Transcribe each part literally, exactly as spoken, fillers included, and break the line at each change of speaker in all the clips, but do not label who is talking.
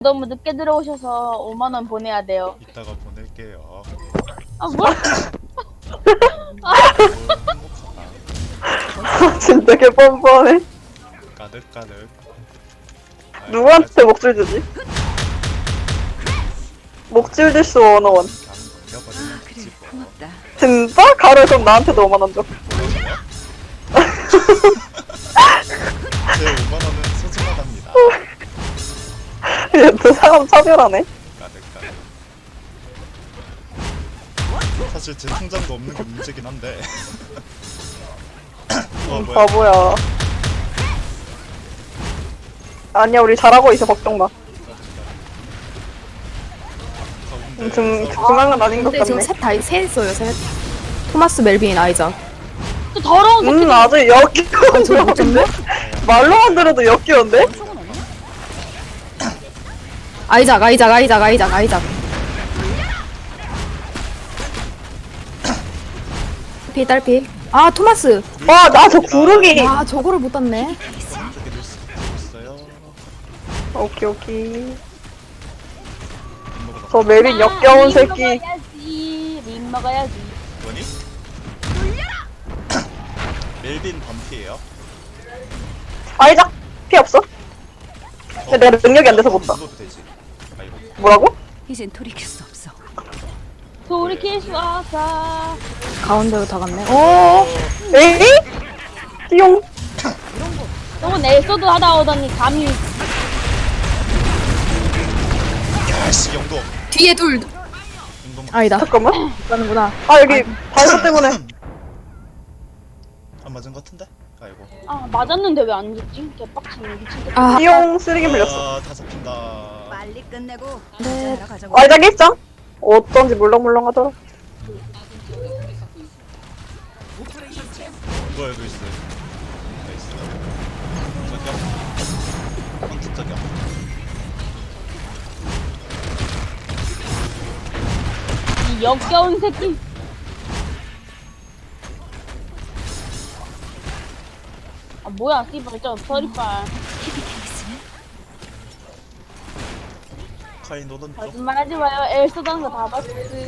너무 늦게 들어오셔서 오만 원 보내야 돼요.
이따가 보낼게요.
아 뭐야?
진짜 개 뻔뻔해.
까득까득.
누구한테 목줄 주지? 목줄 줄수 원어원.
그냥
그래,
넘겨버리면
고맙다.
진짜? 가루 그럼 나한테도 오만 원 줘.
제 오만 원은 소중하답니다.
얘또 사람 차별하네.
까득까득. 사실 제 통장도 없는 게 문제긴 한데. 어
음,
뭐야?
바보야. 아니야, 우리 잘하고 있어, 걱정 마.
가운데
음, 중,
싸우고
중앙은 아닌 것
근데 지금
같네.
셋 다, 셋 있어요, 셋. 토마스, 멜빈, 아이작.
또 더러운 새끼.
음, 아주 역겨운
저거 못 잡네?
말로만 들어도 역겨운데?
아이작, 아이작, 아이작, 아이작, 아이작. 피, 딸피. 아, 토마스.
와, 나 저 구르기.
아, 저거를 못 땄네.
오른쪽에 넣을 수 있어요.
오케이, 오케이.
먹어봐.
저 멜빈 역겨운
아, 립
새끼.
먹어야지. 립 먹어야지.
뭐니? 멜빈 반피예요.
아이작 피 없어? 근데 내가 능력이 안 돼서 못 봐.
도 되지. 아이고.
뭐라고?
이젠 돌이킬 수 없어.
돌이킬 수 없어.
가운데로 다 갔네. 오!
에이? 띠용.
너무 넬소드 하다 오더니 감히.
야씨 영동.
뒤에 둘.
영동.
아니다.
잠깐만.
가는구나.
아, 여기 발소 때문에.
안 맞은 것 같은데? 아이고.
아 맞았는데 왜 안 죽지? 개빡치네 미친 새끼.
아,
띠용 쓰레기 물렸어.
아, 다 잡힌다.
빨리 끝내고
네.
하러 가자고.
아이작 일장? 어쩐지 물렁물렁 하더라.
이거에도 있어요. 나이스. 저기요. 헌트 저기요.
이 역겨운 새끼. 아 뭐야 씨발 저 서리빨.
카인 오른쪽.
거짓말하지 마요. 엘소 당거 다 봤어.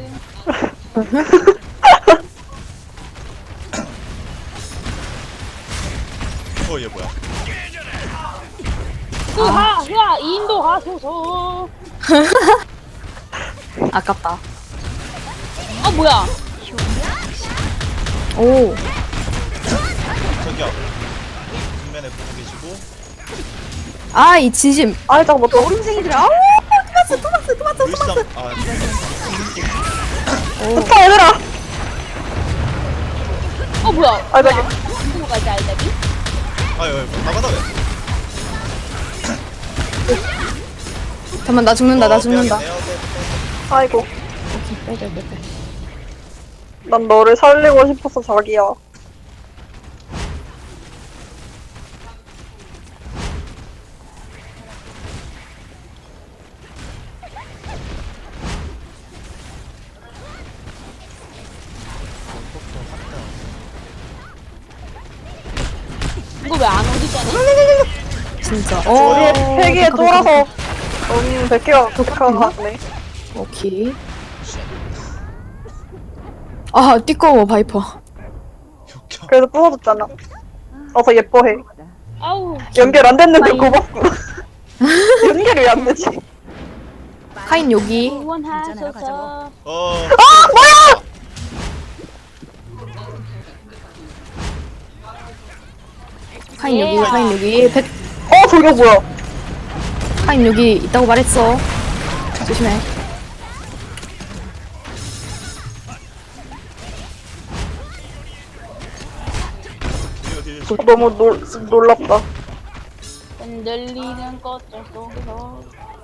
어, 얘 뭐야?
흐하 흐하 인도 가소서.
아깝다.
아 뭐야?
오.
저기요. 뒷면에 보고 계시고.
아, 이 진심.
아이작 뭐 또.
어린생이들. 아우! 토마스, 토마스, 토마스,
루이스
토마스.
아,
좋다, 얘들아.
어 뭐야?
아, 저기.
인도 가지 알다기?
아유, 아유, 나가다 왜?
잠깐만, 나 죽는다, 나
어,
죽는다.
미안해요. 네, 네, 네.
아이고.
오케이, 빼, 빼, 빼, 빼.
난 너를 살리고 싶어서 자기야.
이거 왜 안 오지잖아?
진짜.
우리
어.
폐기에
데카,
쫄아서.
데카,
음, 백 개가 독하가 같네.
데카. 오케이. 아, 띠꺼워, 바이퍼.
욕겨.
그래서 부서졌잖아. 어서 예뻐해.
아우
연결 안 됐는데
아이.
고맙고. 연결이 왜 안 되지?
카인 여기.
응원하소서.
어.
아, 뭐야!
카인 여기,
예.
카인 여기. 백,
어, 저게 뭐야?
카인 여기 있다고 말했어. 조심해.
뒤에, 뒤에.
어, 너무 놀, 놀랍다.
흔들리는 꽃들 속에서.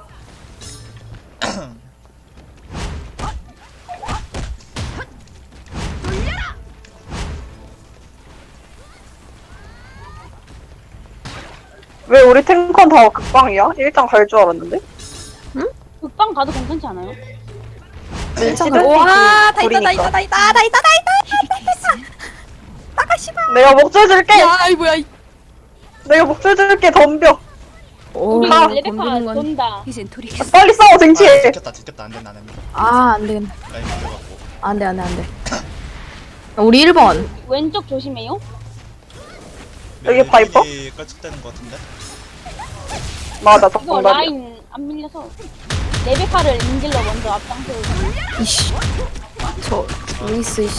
왜 우리 탱컨 다 극방이야? 일장 갈 줄 알았는데?
극방 가도 괜찮지 않아요?
밀치드?
와, 다 있다, 다
우리니까.
있다, 다 있다, 다 있다, 다 있다. 나가, 씨발.
내가 목줄 줄게!
야, 이 뭐야. 이-
내가 목줄 줄게, 덤벼!
오,
우리
아,
레베카
건드는 건.
돈다.
이젠 돌이킬 수
빨리 싸워 쟁취.
아 지켰다 지켰다 안돼 나는
아, 안 되겠네.
라인 밀려갖고
안 돼, 안 돼, 안 돼. 우리 일 번.
왼쪽 조심해요.
여기 파이퍼?
깔짝대는 거 같은데?
맞아
이거
정답이야.
라인 안 밀려서 레베카를 인질로 먼저 앞장서고.
이씨. 저, 루이스, 이씨.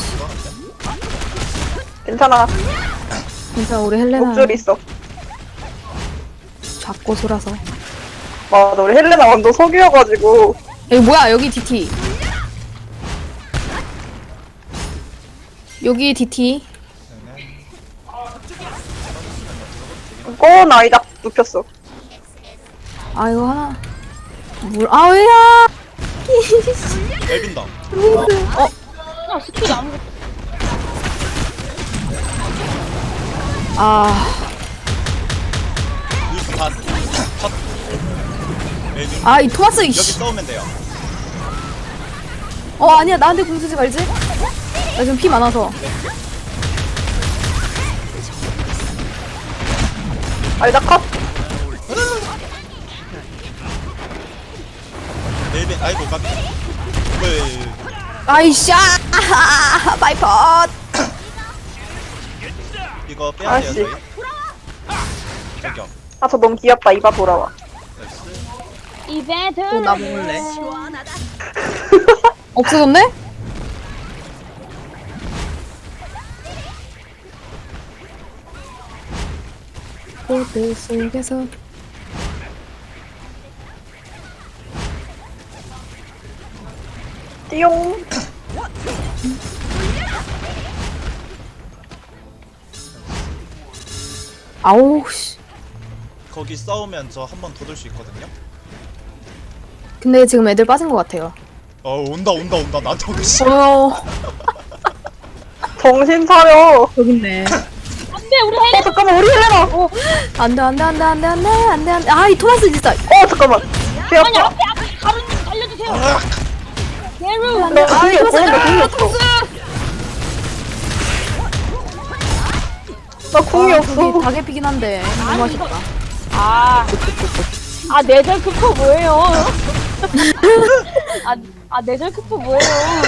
괜찮아.
진짜 우리 헬레나
목줄 있어.
작고 소라서.
맞아 우리 헬레나 완전 석유여가지고.
여기 뭐야, 여기 디티. 여기 디티.
꼬 나이작 눕혔어.
아, 이거 하나. 물, 아, 왜야!
앨빈다
어,
야 스킬이 아무것도.
아,
루이스 다 컷. 앨빈
아, 이 토마스,
여기
이씨.
싸우면 돼요
어, 아니야, 나한테 궁 쓰지 말지? 나 지금 피 많아서.
나이작 컷.
앨빈 아이고 까비 왜
아이씨, 아, 바이퍼.
이거 빼야 돼요
아씨.
저희 저기요
아 저 너무 귀엽다. 이봐 돌아와.
나이스
이벤트.
또 나 먹을래? 없어졌네? 보드 속에서
띠용.
아우 씨.
거기 싸우면 저 한 번 더 돌 수 있거든요
근데 지금 애들 빠진 것 같아요.
어 온다 온다 온다 나한테 오고 씨
어
정신 차려.
여기 있네.
안돼 우리
어
헬레.
잠깐만 우리 헬레나. 어,
안돼 안돼 안돼 안돼 안돼 안돼 안돼. 아이 토마스 진짜.
어 잠깐만.
아니
귀엽다.
앞에 앞에 가루님 살려주세요.
아,
게루.
너 아니 보는데 궁이 없어. 나 궁이
아,
없어.
저기 닭에 피긴 한데 너무 맛있다.
아. 아 내절 크포 뭐예요? 아, 아 내절 크포 뭐예요?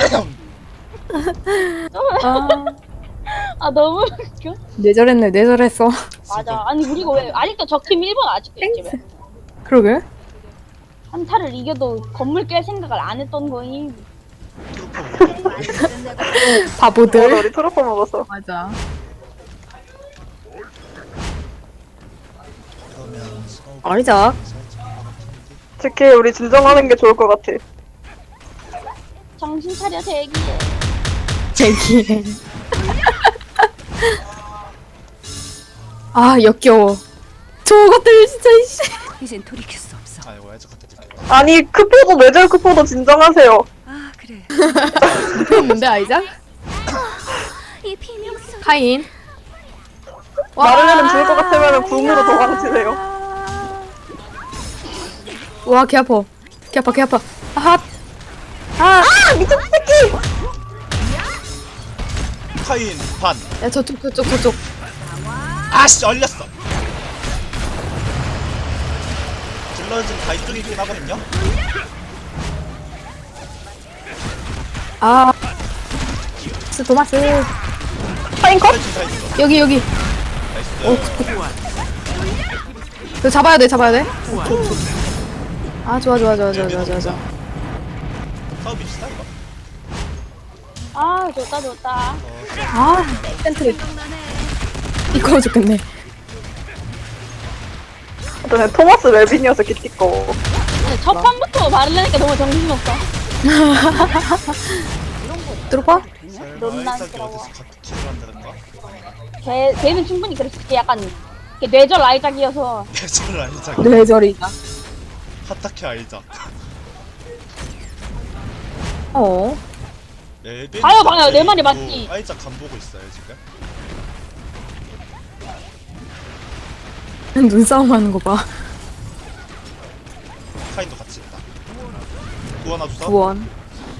아
아 너무 웃겨.
뇌절했네 뇌절했어.
맞아. 아니 우리가 왜 아직도 적팀 일 번 아직도 있지 왜?
그러게.
한타를 이겨도 건물 깰 생각을 안 했던 거임.
맞아
바보들.
우리 트로퍼 먹었어.
맞아.
그러면 싸우고
아니자.
특히 우리 진정하는 게 좋을 것 같아.
정신 차려 대기해.
제기. 아 역겨워. 저것들 진짜 이씨.
이젠 돌이킬 수 없어.
아이고 애저 갖다 들켰다
아니 크포도 뇌절 크포도 진정하세요.
아 그래.
뭔데 아이작?
이 비명소.
카인.
마를레는 죽을 것 같으면 궁으로 도망치세요.
와, 개 아파. 개 아파, 개 아파. 아, 아,
아 미친 새끼.
카인 반
야, 저쪽, 저쪽, 저쪽.
아씨 얼렸어 딜러진 다 이쪽이긴 하거든요
아, 스 도마스.
파인 컷.
딜러진 다 있어
여기, 여기.
나이스
이거 잡아야 돼, 잡아야 돼. 아, 좋아, 좋아, 좋아, 좋아, 좋아, 좋아, 좋아.
사업이 비슷하 이거
아 좋다 좋다.
아, 센트리. 이거 좋겠네.
저는 토마스 멜빈이어서 기띠꺼워.
근데 첫 판부터 말하려니까 너무 정신없어.
들어봐?
논란스러워.
어디서 같은 킬을 한다던가
걔 걔는 충분히 그랬을 게 약간 이렇게 뇌절 아이작이어서.
대전을 아이작
뇌절이다.
하타케 아이작
어.
앨빈
봐요, 봐요. 내 말이
또
맞지.
아이작 간 보고 있어요 지금
눈싸움 하는 거 봐.
카인도 같이 있다 구하나 주사
구원.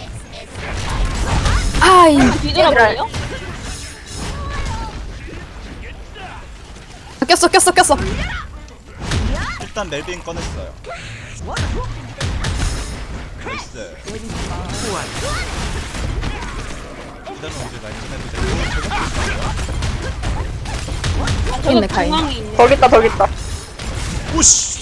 아이.
뒤돌아볼래요?
꼈어, 꼈어, 꼈어.
일단 멜빈 꺼냈어요. 나이스. 일단은 우리 라인 좀 해도 되고.
아, 저기
있네, 가인.
중앙에 있네.
저기 있다 저기 있다.
오씨.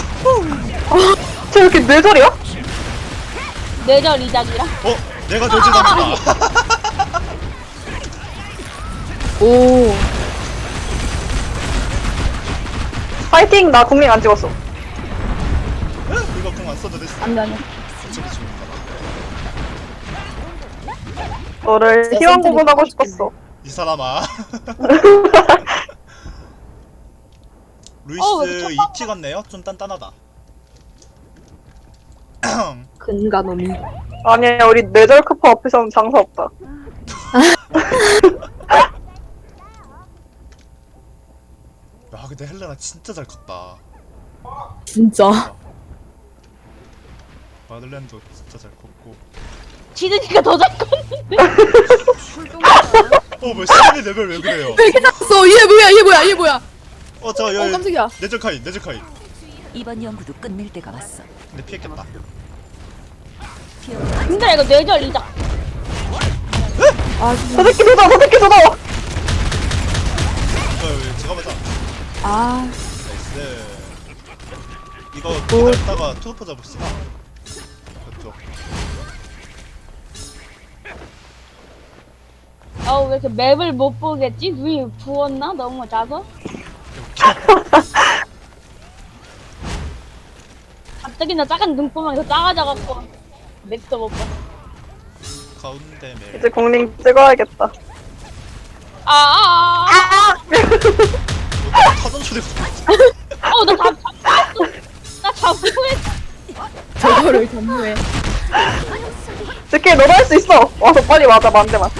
쟤 이렇게 뇌절이야?
뇌절 이작이라.
어? 내가 저지답니다.
오.
파이팅. 나 국민 안 찍었어.
이거 공 안 써도 됐어.
안돼 안돼.
저기 죽는다.
너를
진짜
희망
센터리
고문하고
꽂고
싶었어.
이 사람아. 루이스
어, 왜 이렇게
이 찍었네요? 좀 단단하다.
근가놈이.
아니야 우리 뇌절 크퍼 앞에서는 장사 없다.
야 근데 헬레나 진짜 잘 컸다.
진짜.
마들렌도 진짜 잘 컸고.
지드니까 더 잘 컸는데.
어뭐 시간이 레벨 왜 그래요?
왜 이렇게 작았어? 얘 뭐야? 얘 뭐야? 얘 뭐야?
어저
어
여기
깜짝이야.
네즈카이 네즈카이.
이번 연구도 끝낼 때가 왔어.
근데 피했겠다.
근데 이거 뇌절 이작.
아
저
진짜.
새끼 도다 저 새끼 도다.
어 여기 제가 맞아.
아.
나이스. 이거 기다렸다가 투어퍼 잡읍시다. 그쪽.
어우 왜 이렇게 맵을 못 보겠지? 눈이 부었나? 너무 작아? 갑자기 나 작은 눈구멍이 더 작아져갖고 맵도 못 봐.
가운데 멜.
이제 국민 찍어야겠다.
아아아.
타던 소리가.
어나 잡 잡혔어. 나 잡고 했.
저거를 전무해.
새끼 너도 할 수 있어. 와서 빨리 맞아 만대만.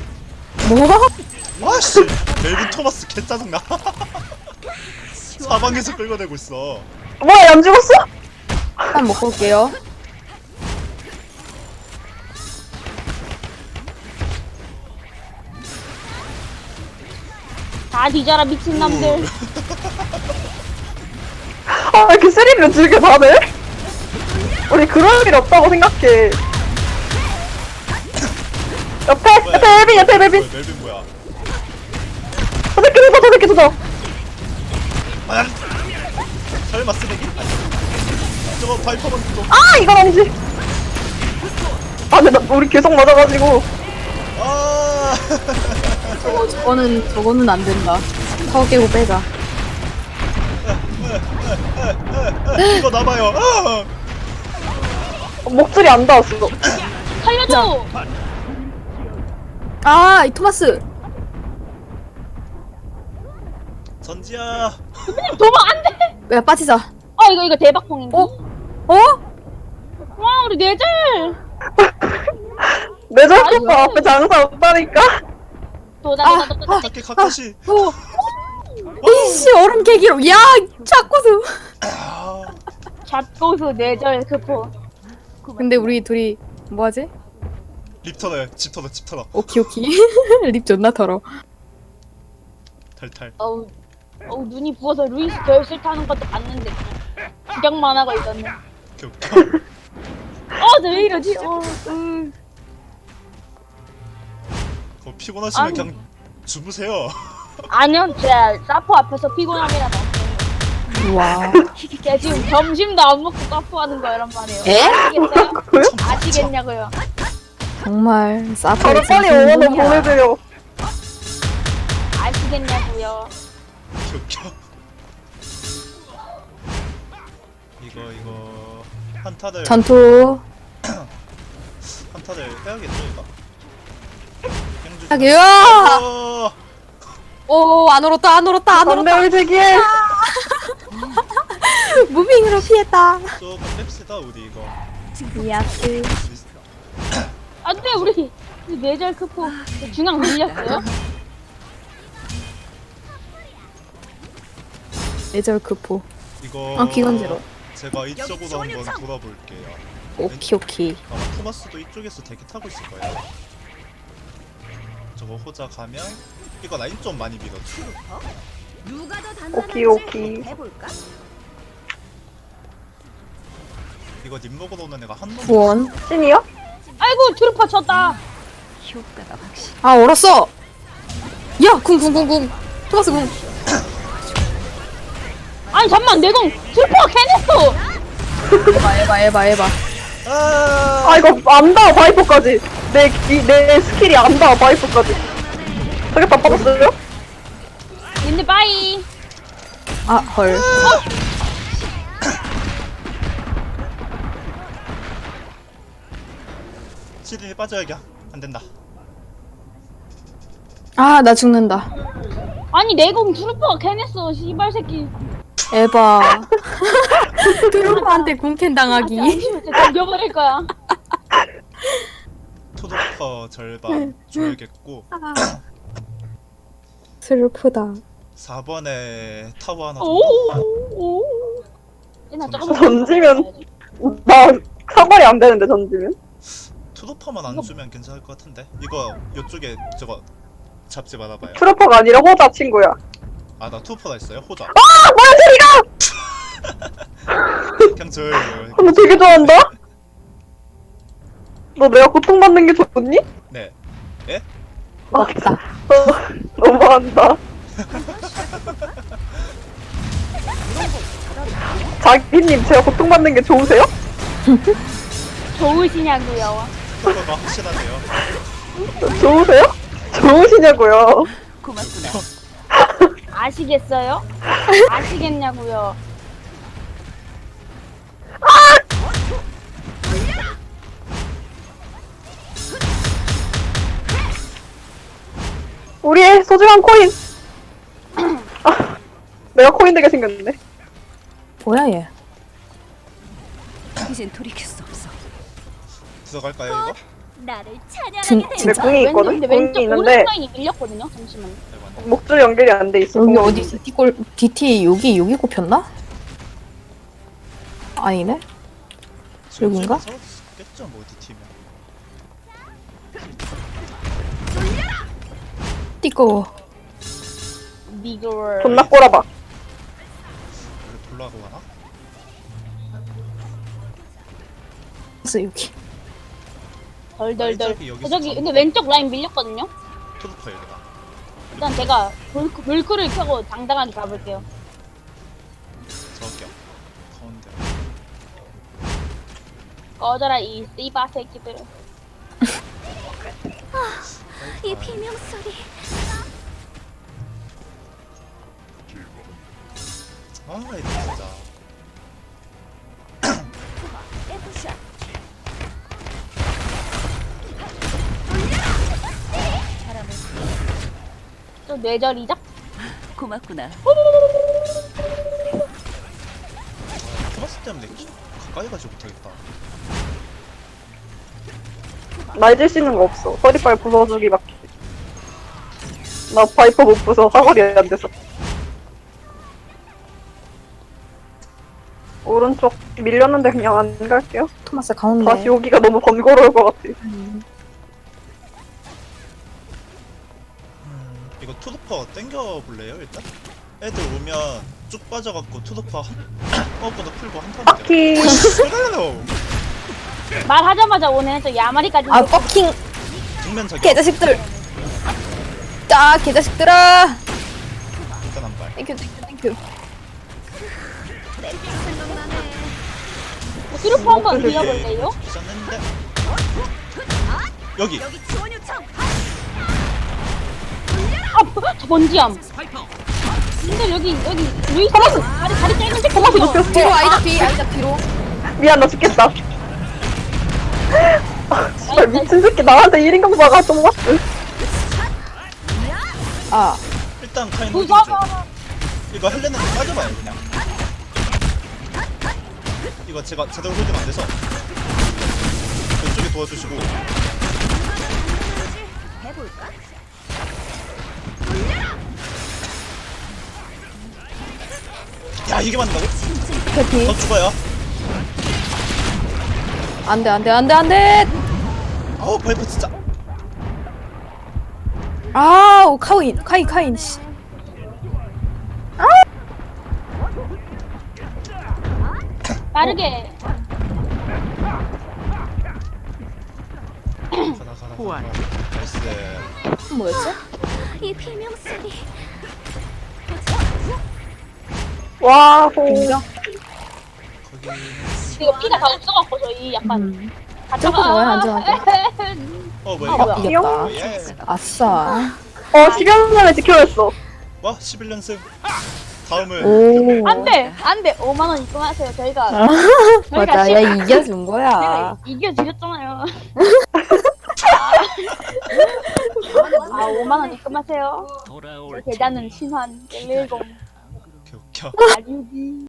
뭐?
와씨 멜빈 토마스 개 짜증나. 사방에서 끌어내고 있어.
뭐야 안 죽었어?
한 먹고 올게요.
다 뒤져라 미친놈들.
아 이렇게 스릴을 즐겨 다들? 우리 그럴 일 없다고 생각해. 옆에 옆에 멜빈 옆에 멜빈.
뭐야, 멜빈 뭐야?
저 새끼 도다 저 새끼 도다.
아, 설마 쓰레기? 아니. 저거 바이퍼만 또.
아 이건 아니지. 아 근데 나 우리 계속 맞아가지고.
아.
어, 저거는 저거는 안 된다. 타워 깨고 빼자.
이거 나봐요. 아!
목줄이 안 닿았어.
살려줘.
아, 이 토마스.
전지야.
도망 안 돼.
야, 빠지자.
어 이거 이거 대박봉인데.
어? 어?
와 우리 뇌절.
뇌절
아이고.
크퍼 앞에 장사 없다니까.
도다
아,
도다 도다.
어떻게 카카시?
어. 이씨, 얼음 깨기로. 야, 자꾸수.
아.
잡고수 뇌절 크포.
근데 우리 둘이 뭐하지?
립 털어요. 집 털어. 집 털어.
오키 오키. 립 존나 털어.
탈탈.
어우 어우 눈이 부어서 루이스 결실 타는 것도 봤는데 그냥 구경만 하고 있었네.
오케이 오케이.
어왜 이러지? 어, 음.
그거 피곤하시면
아니.
그냥 주무세요.
아니요, 제가 사포 앞에서 피곤함이라 봤어요.
와.
제가 지금 점심도 안 먹고 사포하는 거 이런 말이에요.
에?
아시겠어요? 아시겠냐고요?
정말 사포.
저를 빨리 오원을 보내드려.
아시겠냐고요?
오케이 오케이. 이거 이거 한타들
전투.
한타들 해야겠죠 이거. 갱주.
하게요.
어.
오, 안 얼었다, 안 얼었다, 안 얼었다.
안돼 우리 대기해.
무빙으로 피했다.
조금 뺍시다 우리 이거.
야스.
안돼 우리 우리 뇌절 크포 중앙 밀렸어요?
예절 크포.
이거
아, 기관지로.
제가 이쪽으로 한번 돌아볼게요.
오키 오키.
아마 토마스도 이쪽에서 대기 타고 있을 거예요. 저거 호자 가면 이거 라인 좀 많이 밀어줘.
누가 더
오키 오키.
해볼까?
이거 님 먹으러 오는 애가 한 놈.
원.
찐이요?
아이고 트루퍼 쳤다.
효과가 확실.
아 얼었어. 야, 궁궁궁궁. 토마스 궁.
아니 잠만 내공 트루퍼가 캐냈어.
에바 에바 에바 에바.
아,
아 이거 안 닿아 바이퍼까지. 내, 기, 내 스킬이 안 닿아 바이퍼까지. 저게 다 빠졌어요?
근데 빠이.
아 헐.
시린이 빠져야겠. 안 된다.
아 나 죽는다.
아니 내공 트루퍼가 캐냈어. 씨발 새끼.
에바. 트루퍼한테 궁캔 당하기.
진짜 죽여버릴 거야.
투도퍼 절반 줘야겠고
슬프다.
사 번에 타워 하나
오.
정도?
오. 얘나 조금
던지면 나 사거리 안 되는데 던지면.
투도퍼만 안 주면 괜찮을 것 같은데. 이거 이쪽에 저거 잡지 말아봐요.
트루퍼가 아니라 호자 친구야.
아 나 투도퍼가 있어요? 호자.
아 뭐야 저리가!
그냥 저예요.
아, 너 되게 좋아한다? 너 내가 고통받는 게 좋니?
네. 예?
맞다.
어, 너무한다. 자기님 제가 고통받는 게 좋으세요?
좋으시냐고요.
투도퍼가 확실하네요.
좋으세요? 좋으시냐고요.
고맙구나.
아시겠어요? 아시겠냐고요.
우리의 소중한 코인. 아, 내가 코인 되게 생겼네.
뭐야 얘.
이젠 돌이킬 수 없어.
들어갈까요 이거?
나를
진,
찬양하게
내
진짜.
궁이 있거든?
근데
궁이
왼쪽
있는데
오른쪽 라인이 밀렸거든요. 잠시만요.
대박.
목줄 연결이 안 돼 있어.
여기 어디 있어? 디골 디티 여기 여기 꼽혔나? 아니네. 여긴가?
겠죠 뭐 디팀이면.
띠꺼워.
미글.
존나 꼬라봐.
원래 돌라고 가나?
그래서 여기.
덜덜덜.
저기 여기서
저기
잡고.
근데 왼쪽 라인 밀렸거든요.
투도퍼 여기다.
일단 제가 물크, 물크를 켜고 당당하게 가볼게요.
저기요. 가운데.
꺼져라 이 씨바 새끼들.
이 비명 소리.
아 이거 진짜.
에브샷.
또 뇌절이죠?
고맙구나.
토마스 때문에 가까이 가지 못하겠다.
날 수 있는 거 없어. 허리빨 부숴주기밖에. 나 바이퍼 못 부숴. 사거리 안 돼서. 오른쪽 밀렸는데 그냥 안 갈게요.
토마스 가운데.
다시 오기가 너무 번거로울 것 같아.
음, 이거 투도퍼 땡겨 볼래요 일단? 애들 오면 쭉 빠져갖고 투도퍼 한 어보다 풀고 한 턴.
키.
그래요.
말하자마자 오네. 저 야마리까지.
아 퍼킹
정면 저기.
개자식들. 자 개자식들아.
일단 한 발.
땡큐 땡큐 땡큐.
트루퍼 한번 밀어볼래요?
있었는데. 여기.
아, 뭐, 저 번지암. 근데 여기 여기 루이스 다리 다리 짧은 새끼.
토마스 눕혔어.
뒤로 아이다 뒤 아이다 뒤로.
미안 나 죽겠다. 아, 진짜 미친 새끼 나한테 일 인강 박아 토마스.
아
일단 카인 홀딩 줘.
무서워.
이거 헬레는 빠져봐요 그냥. 이거 제가 제대로 홀딩 안 돼서 이쪽에 도와주시고.
해볼까?
야 이게 맞는다고?
캐피.
더 죽어요.
안돼 안돼 안돼 안돼.
아우 바이퍼 진짜.
아우 카인 카인 카인 씨.
빠르게.
나이스.
뭐였지?
이 비명 소리.
와, 호.
인정.
거기
이거 피가 다 없어갖고 저희 약간
음.
아,
점프 좋아요, 안전하게.
어 뭐야
아,
이거?
뭐야.
이겼다.
예.
아싸.
어, 십 년 전에 지켜냈어.
와 십일 연승. 다음은
오.
안돼 안돼 오만 원 입금하세요. 저희가
아,
저희가
맞아.
십-
야, 이겨준 거야.
저희가 이겨드렸잖아요. 아 오만 원 입금하세요. 계좌는 신환 일일공
개 웃겨.
아류비.